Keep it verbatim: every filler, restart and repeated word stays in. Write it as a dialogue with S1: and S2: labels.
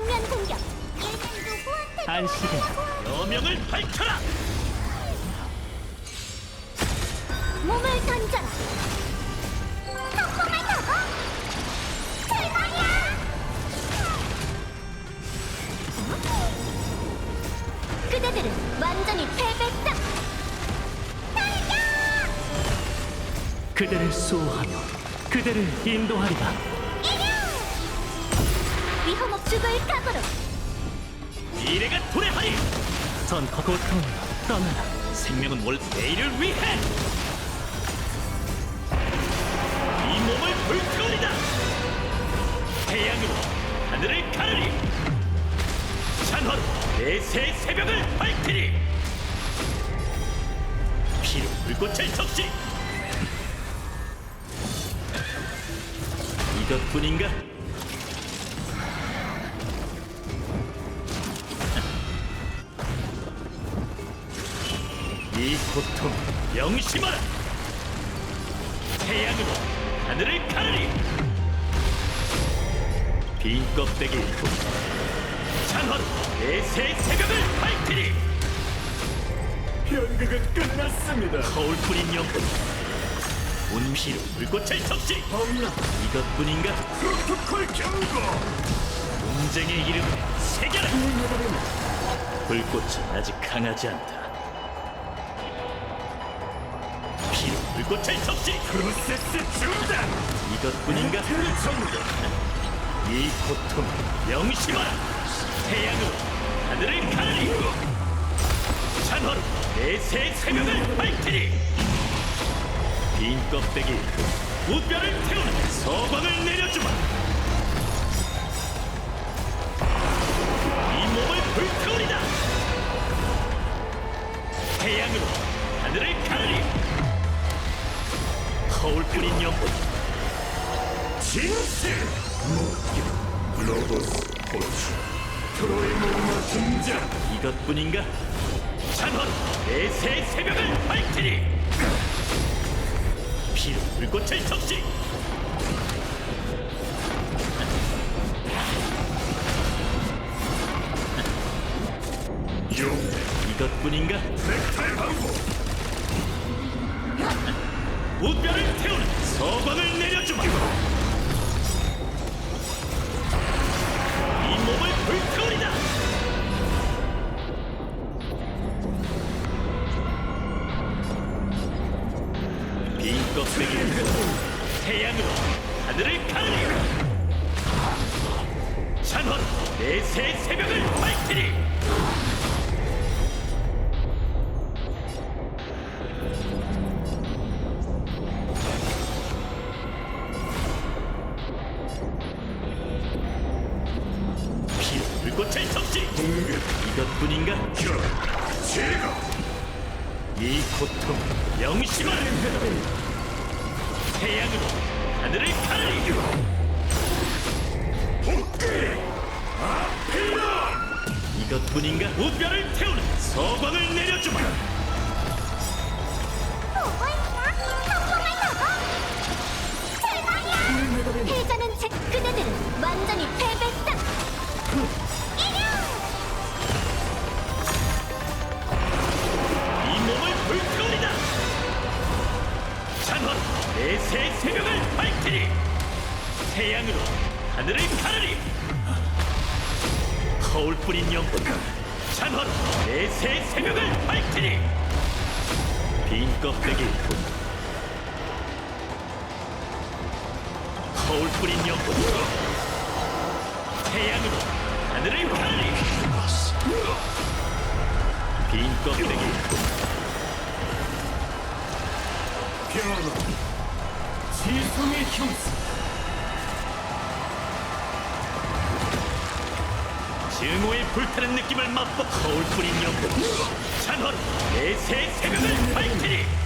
S1: 정면 공격. 얘는 누구한테
S2: 안식은 여명을 밝혀라!
S1: 몸을 던져라. 폭풍을 타고 출발이야. 그대들은 완전히 패배다. 달려!
S2: 그대를 수호하며 그대를 인도하리라.
S1: 이겨! 위험 없 죽을 각오로.
S2: 미래가 도래하리! 전 고통으로 떠나라. 생명은 올 내일을 위해! 이 몸을 불태우리다! 태양으로 하늘을 가르리! 찬헌 내새 새벽을 밝히리! 피로 불꽃을 적시! 이것뿐인가? 이 고통 명심하라! 태양으로 하늘을 가르리! 빈 껍데기 후 찬헌 내새 새벽을 밝히리!
S3: 연극은 끝났습니다.
S2: 거울 뿌린 영혼 운피로 불꽃을 적시!
S3: 엄나
S2: 이것뿐인가?
S3: 프로토콜 경고.
S2: 논쟁의 이름을 새겨라! 불꽃은 아직 강하지 않다. 피로 불꽃을 적시!
S3: 프로세스 중단.
S2: 이것뿐인가?
S3: 전개.
S2: 이 고통을 명심하라! 태양으로 하늘을 가르리! 찬헌 내새 새벽을 밝히리! 빈 껍데기 후 우뼈를 태우는 서광을 내려주마! 이 몸을 불태우리다! 태양으로 하늘을 가르리! 거울 뿌린 영혼
S3: 진실. 로보스 포츠. 트로이 목마 등장.
S2: 이것뿐인가? 찬헌 내새 새벽을 밝히리! 피로 불꽃을 적시!
S3: 용.
S2: 이것뿐인가?
S3: 넥타이 방고.
S2: 우뼈를 태우는 서광을 내려주마! 이 몸을 불태우리다! 빈 껍데기 태양으로 하늘을 가르리! 찬헌 내새 새벽을 밝히리! 피로 불꽃을 적시!
S3: 공격.
S2: 이것뿐인가?
S3: 결. 제거.
S2: 이 고통 명심하라! 태양으로 하늘을 가르리!
S3: 복귀. 아필런.
S2: 이것뿐인가? 우뼈를 태우는 서광을 내려주마!
S1: 보고 있나? 폭풍을 타고 출발이야. 패자는 즉 그대들은 완전히 패배다. 이겨!
S2: 이 몸을 불태우리다! 찬헌 내새 새벽을 밝히리! 태양으로 하늘을 가르리! 거울 뿌린 영혼 찬헌 내새 새벽을 밝히리! 빈 껍데기 후 거울 뿌린 영혼 태양으로 하늘을 가르리! 빈 껍데기 후
S3: 변화. 지성의 형상.
S2: 증오의 불타는 느낌을 맛보 거울 뿌린 영혼 찬헌 내새 새벽을 밝히리!